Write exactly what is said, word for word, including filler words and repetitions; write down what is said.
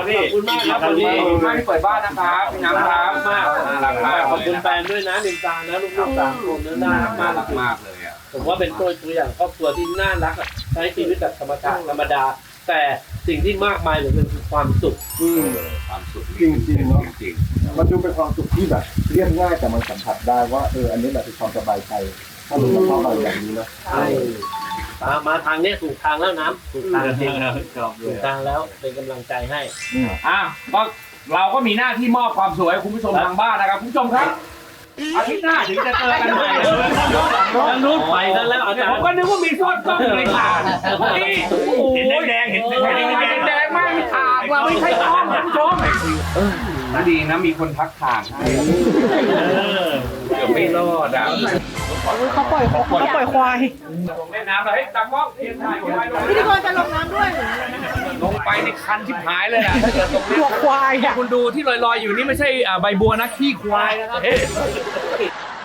พี่ขอบคุณมากครับวันนี้ขอบคุณมากที่เปิดบ้านนะครับพี่น้ำครับมากน่ารักมากขอบคุณแฟนด้วยนะนินจานะลูกๆสามคนน่ารักน่ารัมากกมากเลยอ่ะผมว่าเป็นตัวตัวอย่างครอบครัวที่น่ารักอะใช้ชีวิตแบบธรรมชาติธรรมดา แต่สิ่งที่มากมายเหลือเกินคือความสุขอืมความสุขจริงๆเนอะจริงมันดูเป็นความสุขที่แบบเรียบง่ายแต่มันสัมผัสได้ว่าเอออันนี้แหละคือความสบายใจถ้าเราชอบอะไรแบบนี้นะใช่มามาทางเนี้ยถูกทางแล้วน้ำถูกทางจริงถูกทางแล้วเป็นกำลังใจให้อืมอ่ะก็เราก็มีหน้าที่มอบความสวยให้คุณผู้ชมทางบ้านนะครับคุณผู้ชมครับอาทิตย์หน้าถึงจะเจอกันใหม่แล้วนู้นไปกันแล้วอาจารผมย์ก็นึกว่ามีซอดซ่อมอยู่ในถาดนี่เห็นแดงๆเห็นแดงแดงแดงมากมีถาดว่าไม่ใช่ต้อมคุณผู้ชมดีนะมีคนทักทางให้เกือบไม่รอดอ่ะเขาปล่อยเขาเขาปล่อยควายลงเล่นน้ำเลยให้ตากล้องเทียนถ่ายไว้ลงพิธีกรจะลงน้ำด้วยลงไปในคันชิบหายเลยอ่ะถ้าเกิดตรงนี้หัวควายอ่ะคุณดูที่ลอยๆอยู่นี่ไม่ใช่ใบบัวนะขี้ควายนะครับ